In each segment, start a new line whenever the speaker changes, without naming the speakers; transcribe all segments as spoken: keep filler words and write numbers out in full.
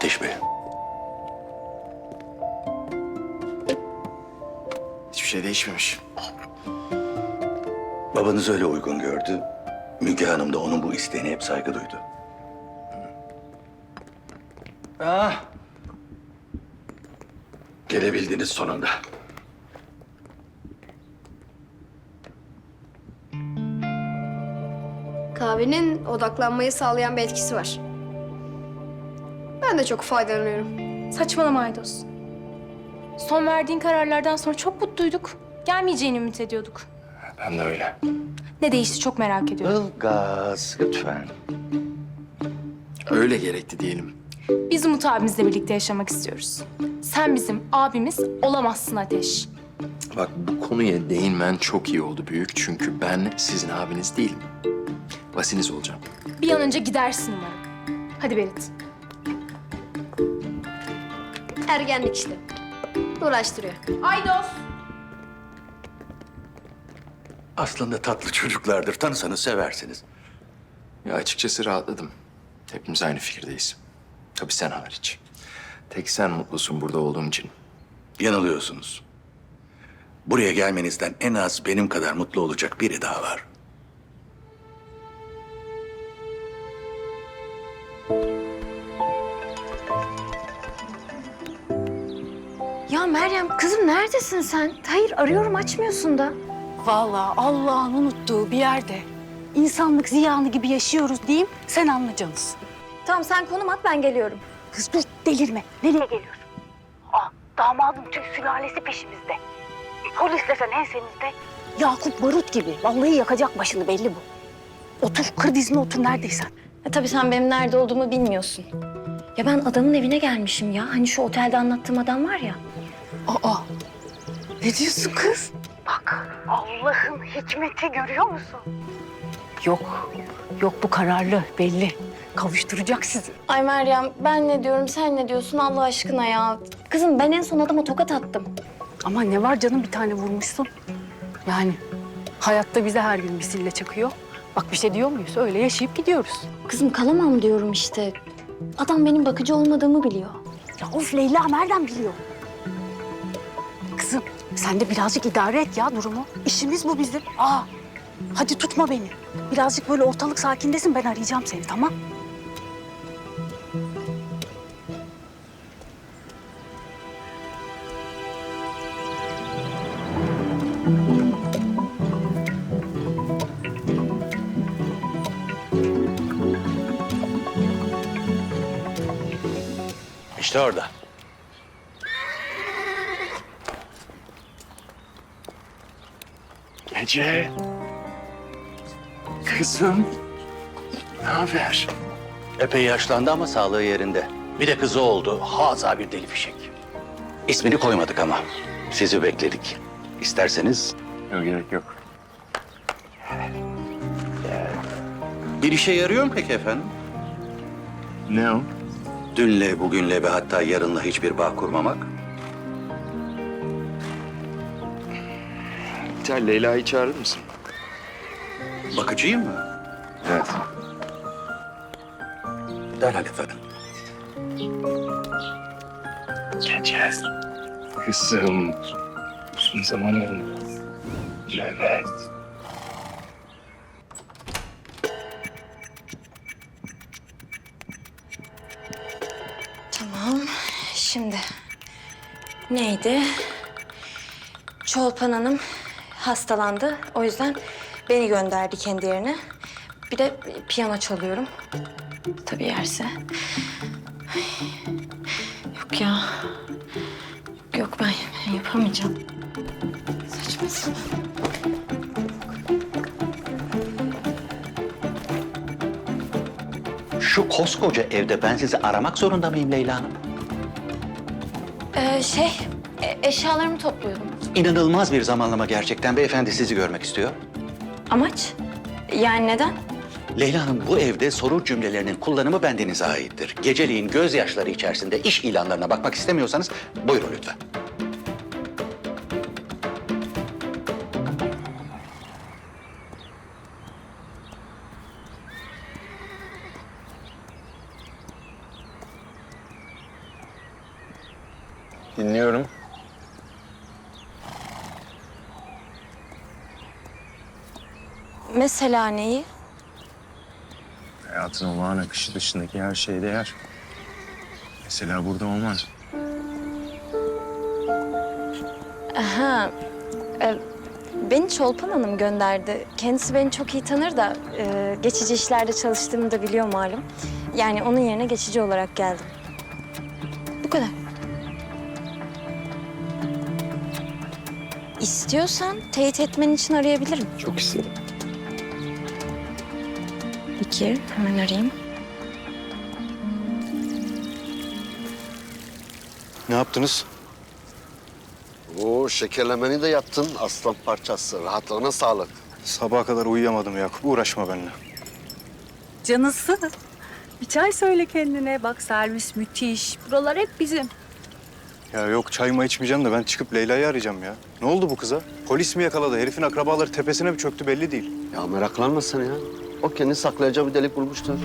Ateş Bey.
Hiçbir şey değişmemiş.
Babanız öyle uygun gördü. Müge Hanım da onun bu isteğine hep saygı duydu. Ah! Gelebildiniz sonunda.
Kahvenin odaklanmayı sağlayan bir etkisi var. Ben de çok faydalanıyorum.
Saçmalama Aydos. Son verdiğin kararlardan sonra çok mutluyduk. Gelmeyeceğini ümit ediyorduk.
Ben de öyle.
Ne değişti çok merak ediyorum.
Ilgaz, lütfen.
Öyle gerekti diyelim.
Biz Umut abimizle birlikte yaşamak istiyoruz. Sen bizim abimiz olamazsın Ateş.
Bak bu konuya değinmen çok iyi oldu büyük. Çünkü ben sizin abiniz değilim. Vasiniz olacağım.
Bir an önce gidersin umarım. Hadi Berit.
Ergenlik işte. Uğraştırıyor.
Aydos.
Aslında tatlı çocuklardır. Tanısanız seversiniz.
Ya açıkçası rahatladım. Hepimiz aynı fikirdeyiz. Tabii sen hariç. Tek sen mutlusun burada olduğum için.
Yanılıyorsunuz. Buraya gelmenizden en az benim kadar mutlu olacak biri daha var.
Ya Meryem kızım neredesin sen? Hayır arıyorum açmıyorsun da.
Vallahi Allah'ın unuttuğu bir yerde insanlık ziyanı gibi yaşıyoruz diyeyim, sen anlayacaksın.
Tamam sen konum at ben geliyorum.
Kız dur, delirme. Nereye geliyorsun? Aa, damadın tüm sülalesi peşimizde. Polis desen ensemizde. Yakup barut gibi. Vallahi yakacak başını, belli bu. Otur, kır dizine otur neredeysen.
E, tabii sen benim nerede olduğumu bilmiyorsun. Ya ben adamın evine gelmişim ya. Hani şu otelde anlattığım adam var ya.
Aa, ne diyorsun kız? Bak, Allah'ın hikmeti görüyor musun? Yok, yok bu kararlı, belli. Kavuşturacak sizi.
Ay Meryem ben ne diyorum sen ne diyorsun Allah aşkına ya. Kızım ben en son adama tokat attım.
Ama ne var canım, bir tane vurmuşsun. Yani hayatta bize her gün misille çakıyor. Bak bir şey diyor muyuz? Öyle yaşayıp gidiyoruz.
Kızım kalamam diyorum işte. Adam benim bakıcı olmadığımı biliyor.
Ya of Leyla, nereden biliyor? Kızım sen de birazcık idare et ya durumu. İşimiz bu bizim. Aa, hadi tutma beni. Birazcık böyle ortalık sakindesin, ben arayacağım seni, tamam?
İşte orada.
Ece. Kızım. Ne haber?
Epey yaşlandı ama sağlığı yerinde. Bir de kızı oldu. Haza bir deli fişek. İsmini koymadık ama. Sizi bekledik. İsterseniz
Yok gerek yok.
bir işe yarıyor mu peki efendim?
Ne o?
Dünle, bugünle ve hatta yarınla hiçbir bağ kurmamak.
Sen Leyla'yı çağırır mısın?
Bakıcıyım mı?
Evet.
Derhal efendim.
Ece. Kızım. Uzun zaman oldu. Evet.
Tamam şimdi neydi? Çolpan Hanım hastalandı. O yüzden beni gönderdi kendi yerine. Bir de piyano çalıyorum. Tabii yerse. Ay, yok ya. Yok ben, ben yapamayacağım. Saçma sapan.
Şu koskoca evde ben sizi aramak zorunda mıyım Leyla Hanım?
Ee, şey, e- eşyalarımı topluyordum.
İnanılmaz bir zamanlama gerçekten. Beyefendi sizi görmek istiyor.
Amaç? Yani neden?
Leyla Hanım, bu evde soru cümlelerinin kullanımı bendenize aittir. Geceliğin gözyaşları içerisinde iş ilanlarına bakmak istemiyorsanız buyurun lütfen.
Dinliyorum.
Mesela neyi?
Hayatın olağan akışı dışındaki her şeye değer. Mesela burada olman.
Aha, e, beni Çolpan Hanım gönderdi. Kendisi beni çok iyi tanır da e, geçici işlerde çalıştığımı da biliyor malum. Yani onun yerine geçici olarak geldim. Bu kadar. İstiyorsan teyit etmen için arayabilirim.
Çok istedim.
Peki, hemen arayayım.
Ne yaptınız?
Oo, şekerlemeni de yaptın aslan parçası. Rahatlığına sağlık.
Sabaha kadar uyuyamadım Yakup. Uğraşma benimle.
Canısı. Bir çay söyle kendine. Bak servis müthiş. Buralar hep bizim.
Ya yok çayımı içmeyeceğim de ben çıkıp Leyla'yı arayacağım ya. Ne oldu bu kıza? Polis mi yakaladı? Herifin akrabaları tepesine mi çöktü belli değil.
Ya meraklanma sen ya. O kendi saklayacağı bir delik bulmuştur.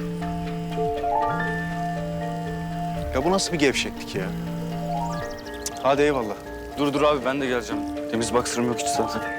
Ya bu nasıl bir gevşeklik ya? Hadi eyvallah.
Dur dur abi ben de geleceğim. Temiz baksırım yok hiç zaten.